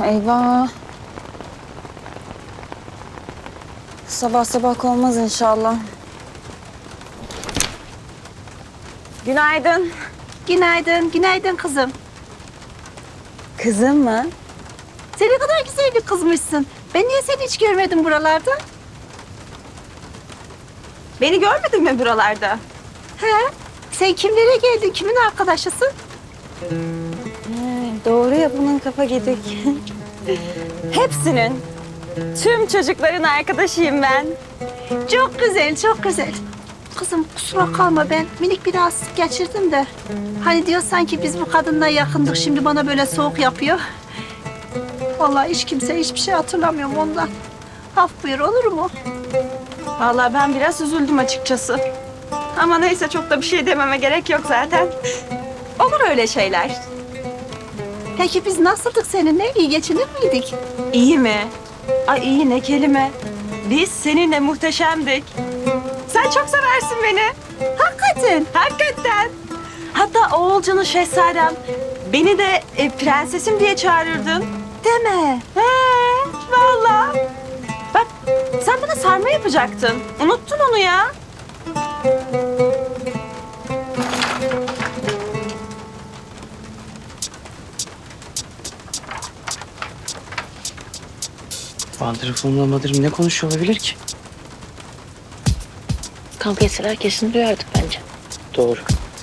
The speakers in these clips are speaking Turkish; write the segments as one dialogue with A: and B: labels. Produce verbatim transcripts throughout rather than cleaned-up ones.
A: Eyvah. Sabah sabah olmaz inşallah. Günaydın.
B: Günaydın, günaydın kızım.
A: Kızım mı?
B: Sen ne kadar güzel bir kızmışsın. Ben niye seni hiç görmedim buralarda?
A: Beni görmedin mi buralarda?
B: He? Sen kimlere geldin, kimin arkadaşısın?
A: He, doğru ya, bunun kafa gidik. Hepsinin, tüm çocukların arkadaşıyım ben.
B: Çok güzel, çok güzel. Kızım kusura kalma, ben minik bir rahatsızlık geçirdim de. Hani diyor sanki biz bu kadınla yakındık, şimdi bana böyle soğuk yapıyor. Vallahi hiç kimse hiçbir şey hatırlamıyorum ondan. Af buyur, olur mu?
A: Vallahi ben biraz üzüldüm açıkçası. Ama neyse, çok da bir şey dememe gerek yok zaten. Olur öyle şeyler.
B: Peki biz nasıldık seninle? İyi geçinir miydik?
A: İyi mi? Ay iyi ne kelime. Biz seninle muhteşemdik. Sen çok seversin beni.
B: Hakikaten.
A: Hakikaten. Hatta Oğulcan'ın şehzadem. Beni de e, prensesim diye çağırırdın.
B: Deme.
A: He, vallahi. Bak, sen bana sarma yapacaktın. Unuttun onu ya.
C: Wonderful'la Madrim ne konuşuyor olabilir ki?
D: Kavga etseler kesin duyardık bence.
C: Doğru.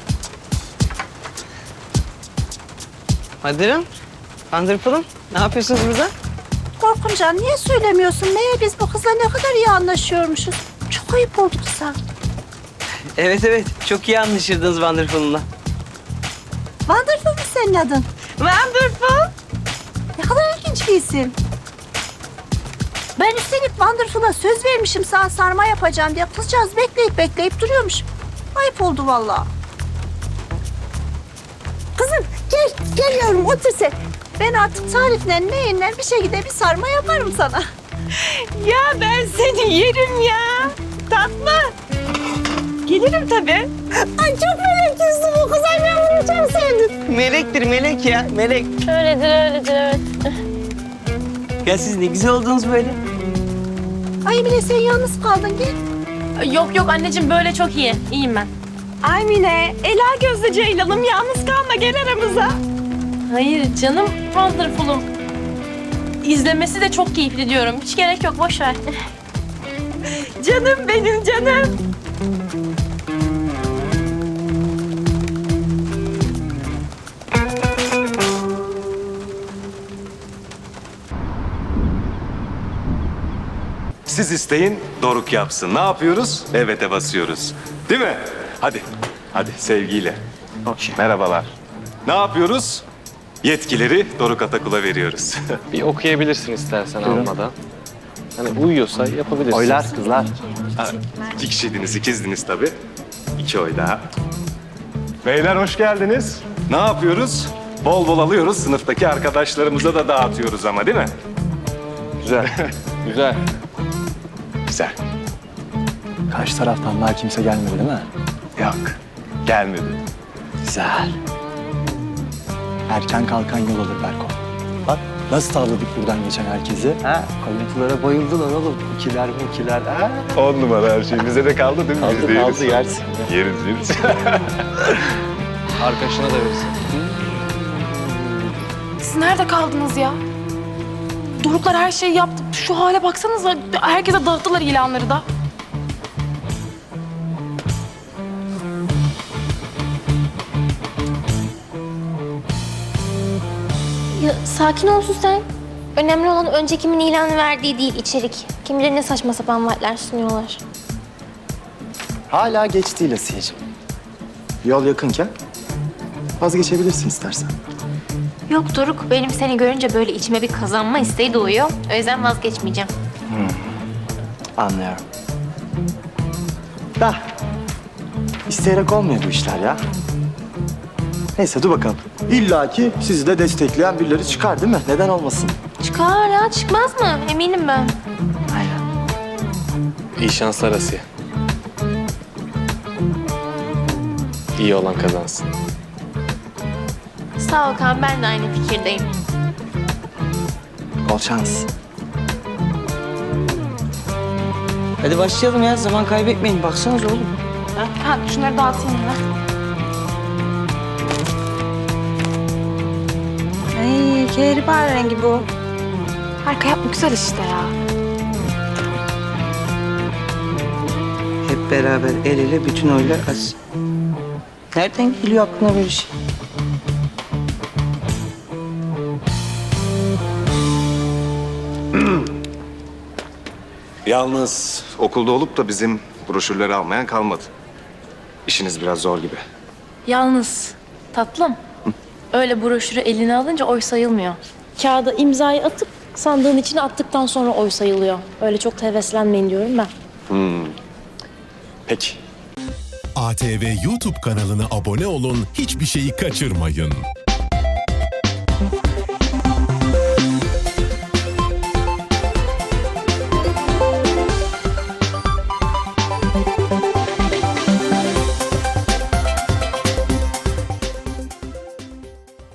C: Madrim, Wonderful'um ne yapıyorsunuz burada?
B: Korkuncan niye söylemiyorsun? Meğer biz bu kızla ne kadar iyi anlaşıyormuşuz. Çok ayıp oldu kıza.
C: Evet evet, çok iyi anlaşırdınız Wonderful'umla.
B: Wonderful mu senin adın?
A: Wonderful.
B: Ne kadar ilginç bir isim. Ben üstelik Wonderful'a söz vermişim sana sarma yapacağım diye. Kızcağız bekleyip bekleyip duruyormuş. Ayıp oldu vallahi. Kızım gel, gel yavrum otur sen. Ben artık tarifle neyinle bir şekilde bir sarma yaparım sana.
A: Ya ben seni yerim ya. Tatlı. Gelirim tabii.
B: Ay çok melek yüzlü bu kız. Ay ben bunu çok sevdim.
C: Melektir melek ya, melek.
D: Öyledir öyledir evet.
C: Ya siz ne güzel oldunuz böyle.
B: Ay Emine sen yalnız kaldın gel.
D: Yok yok anneciğim böyle çok iyi. İyiyim ben.
A: Ay Mine, ela gözlü Ceylan'ım, yalnız kalma, gel aramıza.
D: Hayır canım Wonderful'um. İzlemesi de çok keyifli diyorum. Hiç gerek yok boş ver.
A: Canım benim canım.
E: Siz isteyin, Doruk yapsın. Ne yapıyoruz? Evet'e basıyoruz. Değil mi? Hadi, hadi sevgiyle.
C: Okey.
E: Merhabalar. Ne yapıyoruz? Yetkileri Doruk Atakul'a veriyoruz.
F: Bir okuyabilirsin istersen almadan. Hani uyuyorsa yapabilirsin.
C: Oylar kızlar.
E: Ha, iki kişiydiniz, ikizdiniz tabii. İki oy daha. Beyler hoş geldiniz. Ne yapıyoruz? Bol bol alıyoruz, sınıftaki arkadaşlarımıza da dağıtıyoruz ama değil mi?
F: Güzel. Güzel.
E: Güzel.
G: Karşı taraftan daha kimse gelmedi değil mi?
E: Yok, gelmedi.
G: Güzel. Erken kalkan yol alır Berko. Bak nasıl tavladık buradan geçen herkesi.
C: Ha, kalıntılara bayıldılar oğlum. İkiler mi ikiler? Ha?
E: On numara her şey. Bize de kaldı değil mi? Biz de
C: Kaldı
E: yeriz.
C: kaldı yersin.
E: Yeriz, yeriz.
F: Arkadaşına da verirsin.
H: Siz nerede kaldınız ya? Doruklar her şeyi yaptı. Şu hale baksanıza. Herkese dağıttılar ilanları da.
D: Ya sakin olsun sen. Önemli olan önce kimin ilanı verdiği değil içerik. Kim bilir ne saçma sapan vaatler sunuyorlar.
G: Hala geç değil Asiye'cim. Yol yakınken vazgeçebilirsin istersen.
D: Yok Doruk benim seni görünce böyle içime bir kazanma isteği doğuyor. O yüzden vazgeçmeyeceğim.
G: Anlıyorum. Da isteyerek olmuyor bu işler ya. Neyse dur bakalım. İlla ki sizi de destekleyen birileri çıkar değil mi? Neden olmasın?
D: Çıkar ya çıkmaz mı? Eminim ben.
G: Aynen.
F: İyi şanslar Asiye. İyi olan kazansın.
D: Sağ ol Kaan ben de aynı fikirdeyim.
G: Bol şans.
C: Hadi başlayalım ya. Zaman kaybetmeyin. Baksanıza oğlum.
H: Ha, şunları dağıtayım yine.
A: Ay kehribar rengi bu.
H: Harika yapma, güzel işte ya.
C: Hep beraber el ele bütün oylar az. Nereden geliyor aklına böyle şey?
E: Yalnız okulda olup da bizim broşürleri almayan kalmadı. İşiniz biraz zor gibi.
I: Yalnız tatlım, öyle broşürü eline alınca oy sayılmıyor. Kağıda imzayı atıp sandığın içine attıktan sonra oy sayılıyor. Öyle çok da heveslenmeyin diyorum ben.
E: Peki.
J: A T V YouTube kanalına abone olun, hiçbir şeyi kaçırmayın.